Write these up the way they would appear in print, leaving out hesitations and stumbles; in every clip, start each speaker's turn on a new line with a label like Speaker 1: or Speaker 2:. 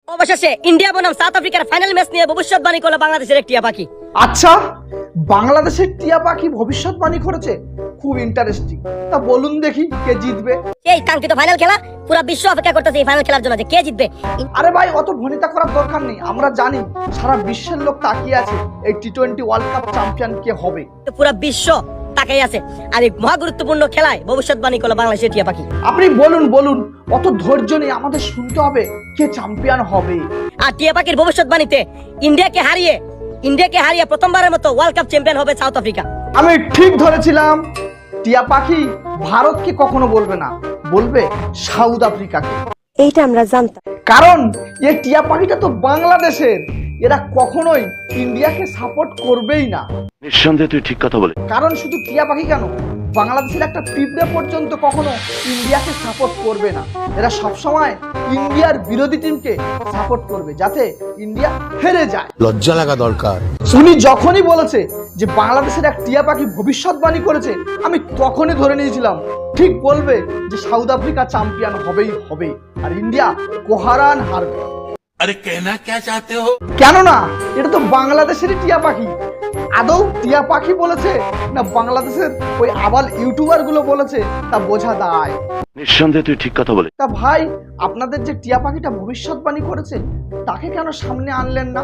Speaker 1: অবশেষে ইন্ডিয়া বনাম সাউথ আফ্রিকার ফাইনাল ম্যাচ নিয়ে ভবিষ্যৎবাণী করলো বাংলাদেশের এক টিয়া পাখি।
Speaker 2: আচ্ছা, বাংলাদেশের টিয়া পাখি ভবিষ্যৎবাণী করেছে, খুব ইন্টারেস্টিং। তা বলুন দেখি কে জিতবে?
Speaker 1: এই কাঙ্ক্ষিত ফাইনাল খেলা, পুরো বিশ্ব অপেক্ষা করতেছে এই ফাইনাল খেলার জন্য যে কে জিতবে।
Speaker 2: আরে ভাই, অত ভনিতা করার দরকার নেই। আমরা জানি সারা বিশ্বের লোক তাকিয়ে আছে এই টি-20 ওয়ার্ল্ড কাপ চ্যাম্পিয়ন কে হবে।
Speaker 1: তো পুরো বিশ্ব তাকিয়ে আছে আর এই মহা গুরুত্বপূর্ণ খেলায় ভবিষ্যৎবাণী করলো বাংলাদেশের টিয়া পাখি।
Speaker 2: আপনি বলুন, অত ধৈর্য নেই, আমাদের শুনতে হবে কে চ্যাম্পিয়ন হবে।
Speaker 1: আর টিয়া পাখির ভবিষ্যৎবাণীতে ইন্ডিয়াকে হারিয়ে প্রথমবারের মতো ওয়ার্ল্ড কাপ চ্যাম্পিয়ন হবে সাউথ আফ্রিকা।
Speaker 2: আমি ঠিক ধরেছিলাম, টিয়া পাখি ভারতকে কখনো বলবে না, বলবে সাউথ আফ্রিকাকে।
Speaker 3: এইটা আমরা জানতাম,
Speaker 2: কারণ এই টিয়া পাখিটা তো বাংলাদেশের, এরা কখনোই ইন্ডিয়াকে সাপোর্ট করবেই না।
Speaker 4: নিঃসন্দেহে তুই ঠিক কথা বলে।
Speaker 2: কারণ শুধু টিয়া পাখি কেন, বাংলাদেশের একটা পিঁপড়ে পর্যন্ত কখনো ইন্ডিয়াকে সাপোর্ট করবে না। এরা সবসময় ইন্ডিয়ার বিরোধী টিমকে সাপোর্ট করবে যাতে ইন্ডিয়া হেরে যায়।
Speaker 5: লজ্জা লাগা দরকার।
Speaker 2: উনি যখনই বলেছে যে বাংলাদেশের এক টিয়া পাখি ভবিষ্যৎবাণী করেছে, আমি তখনই ধরে নিয়েছিলাম ঠিক বলবে যে সাউথ আফ্রিকা চ্যাম্পিয়ন হবেই হবে আর ইন্ডিয়া কোহারান হারবে।
Speaker 5: আরে কেনা কে চাতে হো?
Speaker 2: কেননা এটা তো বাংলাদেশেরই টিয়া পাখি। আদৌ টিয়া পাখি বলেছে না বাংলাদেশের ওই আবাল ইউটিউবার গুলো বলেছে তা বোঝা দায়।
Speaker 4: নিঃসন্দেহে তুই ঠিক কথা বলে।
Speaker 2: তা ভাই, আপনাদের যে টিয়া পাখিটা ভবিষ্যৎবাণী করেছে তাকে কেন সামনে আনলেন না?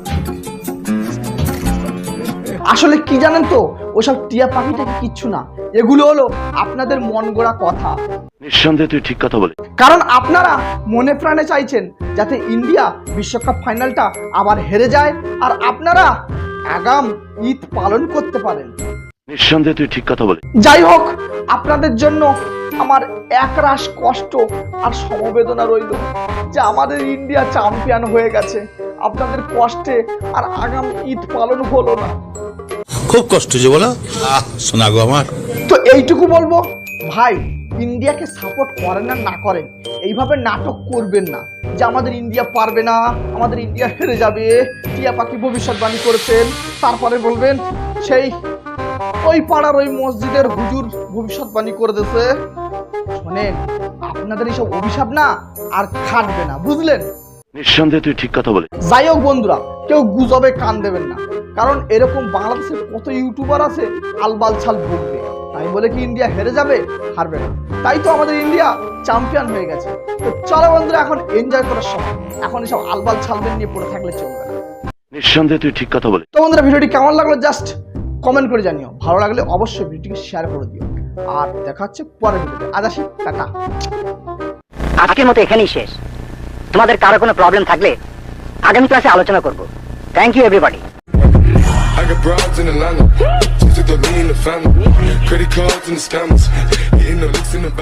Speaker 2: আসলে কি জানেন তো, ওসব টিয়া পাখিটাকে কিচ্ছু না, এগুলো হলো আপনাদের মন গড়া কথা।
Speaker 4: নিঃসন্দেহে তুই ঠিক কথা বলে।
Speaker 2: কারণ আপনারা মনে প্রাণে চাইছেন যাতে ইন্ডিয়া বিশ্বকাপ ফাইনালটা আবার হেরে যায় আর আপনারা আগাম ঈদ পালন করতে পারেন।
Speaker 4: নিঃসন্দেহে তুই ঠিক কথা বলে।
Speaker 2: যাই হোক, আপনাদের জন্য আমার একরাশ কষ্ট আর সমবেদনা রইল যে আমাদের ইন্ডিয়া চ্যাম্পিয়ন হয়ে গেছে। আপনাদের কষ্টে আর আগাম ঈদ পালন হলো না,
Speaker 5: খুব কষ্ট যে বলো। শোনা গো আমার।
Speaker 2: তো এইটুকু বলবো, ভাই ইন্ডিয়াকে সাপোর্ট করেন আর না করেন, এইভাবে নাটক করবেন না যে আমাদের ইন্ডিয়া পারবে না, আমাদের ইন্ডিয়া হেরে যাবে। টিয়া পাখি ভবিষ্যৎবাণী করেছেন, তারপরে বলবেন সেই ওই পাড়ার ওই মসজিদের হুজুর ভবিষ্যৎবাণী করে দিয়েছে। শোনেন, আপনাদের এইসব অভিশাপ না আর খাটবে না, বুঝলেন?
Speaker 4: নিঃসন্দেহে তুই ঠিক কথা বলে।
Speaker 2: যাই হোক বন্ধুরা, কেউ গুজবে কান দেবেন না, কারণ এরকম বাংলাদেশের কত ইউটিউবার আছে আলবাল ছাল ভুগবে। তাই বলে কি ইন্ডিয়া হেরে যাবে? হারবে না। তাই তো আমাদের ইন্ডিয়া চ্যাম্পিয়ন হয়ে গেছে। তো চলো বন্ধুরা, এখন এনজয় করার সময়, এখন এসব আলবাল ছালদের নিয়ে পড়ে থাকলে চলবে না।
Speaker 4: নিঃসন্দেহে তুই ঠিক কথা বলে।
Speaker 2: তো বন্ধুরা, ভিডিওটি কেমন লাগলো জাস্ট কমেন্ট করে জানিও। ভালো লাগলে অবশ্যই ভিডিওটিকে শেয়ার করে দিও। আর দেখা হচ্ছে পরের ভিডিওতে। আজ আসি, টাটা।
Speaker 1: আজকের মতো এখানেই শেষ। তোমাদের কারো কোনো প্রবলেম থাকলে আগামী ক্লাসে আলোচনা করব। Thank you everybody.
Speaker 6: I got broads in Atlanta, just took the lean in the family, credit cards and the scammers, hitting the licks in the back.